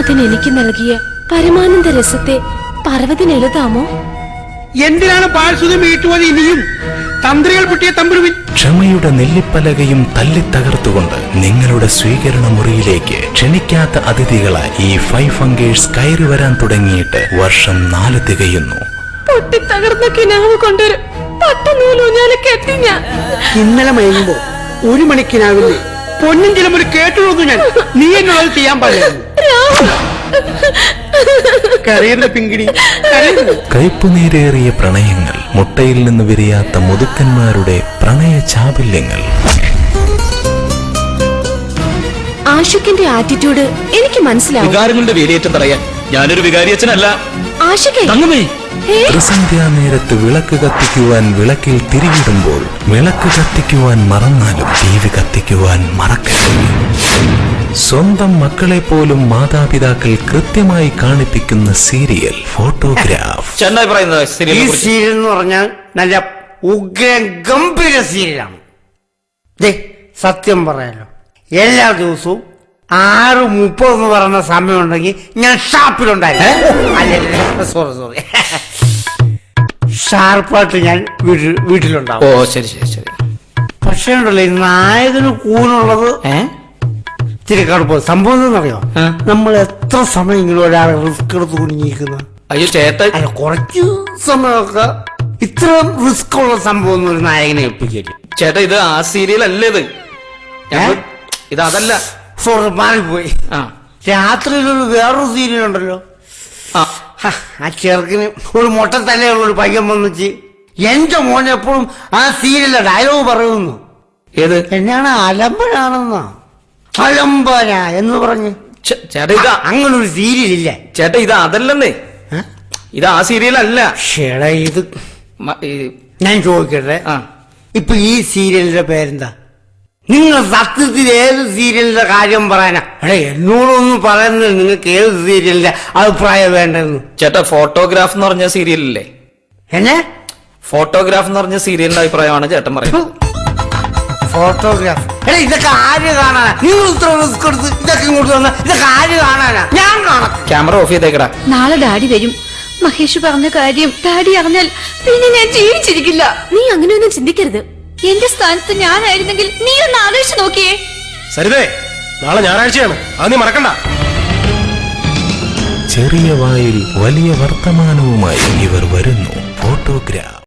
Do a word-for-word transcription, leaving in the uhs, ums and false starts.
ദൈവത്തിന് എനിക്ക് നൽകിയ പരമാനന്ദ രസത്തെ പർവ്വതിന് എഴുതാമോ? എന്തിനാണ് പാഴ്സുതി വീട്ടുവത്? ഇനിയും തന്ത്രികൾ പൊട്ടിയ തമ്പുരുവിൻ. ക്ഷമയുടെ നെല്ലിപ്പലകയും തല്ലിത്തകർത്തുകൊണ്ട് നിങ്ങളുടെ സ്വീകരണ മുറിയിലേക്ക് ക്ഷണിക്കാത്ത അതിഥികളായി ഈ ഫൈവ് ഫംഗേഴ്സ് കയറി വരാൻ തുടങ്ങിയിട്ട് വർഷം നാല് തികയുന്നു. പൊട്ടിത്തകർന്ന കിനാവ് കൊണ്ടൊരു പട്ടനൂലൂഞ്ഞാല് കെട്ടി ഞാൻ. ഇന്നലെ മയങ്ങുമ്പോ ഒരു മണിക്കിനാവില്ലേ പൊന്നും ചിലപ്പോൾ ഒരു കേട്ടുള്ളൂ. ഞാൻ നീ എന്നുള്ളത് ചെയ്യാൻ പാടില്ലായിരുന്നു. കരയുന്ന പിങ്കിടി കരയുന്നു. കയ്പുനീരേറിയ പ്രണയങ്ങൾ, മുട്ടയിൽ നിന്ന് വിരിയാത്ത മുതുക്കന്മാരുടെ പ്രണയ ചാബല്യങ്ങൾ. ആഷിഖിന്റെ ആറ്റിറ്റ്യൂഡ് എനിക്ക് മനസ്സിലാവും. വികാരങ്ങളുടെ വേലിയേറ്റം തടയാൻ ഞാനൊരു വികാരിയച്ഛനല്ല. ആഷിഖേ, ത്രിസന്ധ്യാ നേരത്ത് വിളക്ക് കത്തിക്കുവാൻ വിളക്കിൽ തിരിയിടുമ്പോൾ വിളക്ക് കത്തിക്കുവാൻ മറന്നാലും ടി വി കത്തിക്കുവാൻ മറക്കരുത്. സ്വന്തം മക്കളെ പോലും മാതാപിതാക്കൾ കൃത്യമായി കാണിപ്പിക്കുന്ന സീരിയൽ ഫോട്ടോഗ്രാഫ്. ഈ സീരിയൽ എന്ന് പറഞ്ഞാൽ നല്ല ഉഗ്ര ഗംഭീര സീരിയലാണ്. സത്യം പറയാലോ, എല്ലാ ദിവസവും ആറ് മുപ്പത് എന്ന് പറയുന്ന സമയമുണ്ടെങ്കിൽ ഞാൻ ഷാപ്പിലുണ്ടായിരുന്നു. സോറി സോറി ഷാർപ്പായിട്ട് ഞാൻ വീട്ടിൽ വീട്ടിലുണ്ടാവും. ഓ ശരി ശരി ശരി. പക്ഷേ ഉണ്ടല്ലോ ഈ നായകന് കൂനുള്ളത് ഇത്തിരി കടുപ്പം. സംഭവം എന്താണെന്നറിയോ? നമ്മൾ എത്ര സമയം ഇങ്ങനെ ഒരാളെ റിസ്ക് എടുത്ത് കുടുങ്ങിയിരിക്കുന്ന. അയ്യോ ചേട്ടാ, അല്ല കുറച്ചു സമയമൊക്കെ ഇത്ര റിസ്ക് ഉള്ള സംഭവം ഒന്നും ഒരു നായകനെ ഏൽപ്പിക്കില്ല. ചേട്ടാ ഇത് ആ സീരിയൽ അല്ലേ? ഇത് ഇത് അതല്ല. സോറി മാറിപ്പോയി. രാത്രിയിലൊരു വേറൊരു സീരിയൽ ഉണ്ടല്ലോ. ആ ചെറുക്കിന് ഒരു മൊട്ട തലയുള്ളൊരു പയ്യൻ വന്നിച്ച് എന്റെ മോൻ എപ്പോഴും ആ സീരിയലിലെ ഡയലോഗ് പറയുന്നു. ഏത്? എന്നാണ് അലമ്പനാണെന്നാ. അലമ്പന എന്ന് പറഞ്ഞ്. ചേട്ടാ ഇത് അങ്ങനൊരു സീരിയൽ ഇല്ല ചേട്ടാ. ഇത് അതല്ലെന്നേ, ഇത് ആ സീരിയൽ അല്ല. ഷേടാ ഇത് ഞാൻ ചോദിക്കട്ടെ, ഇപ്പൊ ഈ സീരിയലിന്റെ പേരെന്താ? നിങ്ങൾ സത്യത്തിൽ ഏത് സീരിയലിന്റെ കാര്യം പറയാനാ? എടേ എന്നോടൊന്നും പറയുന്നത് നിങ്ങൾക്ക് ഏത് സീരിയലിന്റെ അഭിപ്രായം വേണ്ടെന്ന്. ചേട്ടാ ഫോട്ടോഗ്രാഫ് എന്ന് പറഞ്ഞ സീരിയലില്ലേ? എന്നെ ഫോട്ടോഗ്രാഫ് എന്ന് പറഞ്ഞ സീരിയലിന്റെ അഭിപ്രായമാണ് ചേട്ടൻ പറയുന്നത്. ഫോട്ടോഗ്രാഫ്? എടാ ഇതൊക്കെ ആര് കാണാനാ? നിങ്ങൾ ഇത്ര റിസ്ക് എടുത്ത് ഇതൊക്കെ ഇങ്ങോട്ട് വന്ന ഇതൊക്കെ ആര് കാണാനാ? ഞാൻ കാണാം. ക്യാമറ ഓഫ് ചെയ്തേക്കടാ. നാളെ ഡാഡി വരും. മഹേഷ് പറഞ്ഞ കാര്യം ഡാഡി അറിഞ്ഞാൽ പിന്നെ ഞാൻ ജീവിച്ചിരിക്കില്ല. നീ അങ്ങനെയൊന്നും ചിന്തിക്കരുത്. എന്റെ സ്ഥാനത്ത് ഞാനായിരുന്നെങ്കിൽ നീ ഒന്ന് ആലോചിച്ച് നോക്കിയേ. സരിതേ, നാളെ ഞായറാഴ്ചയാണ്, അത് നീ മറക്കണ്ട. ചെറിയ വായിൽ വലിയ വർത്തമാനവുമായി ഇവർ വരുന്നു. ഫോട്ടോഗ്രാഫ്.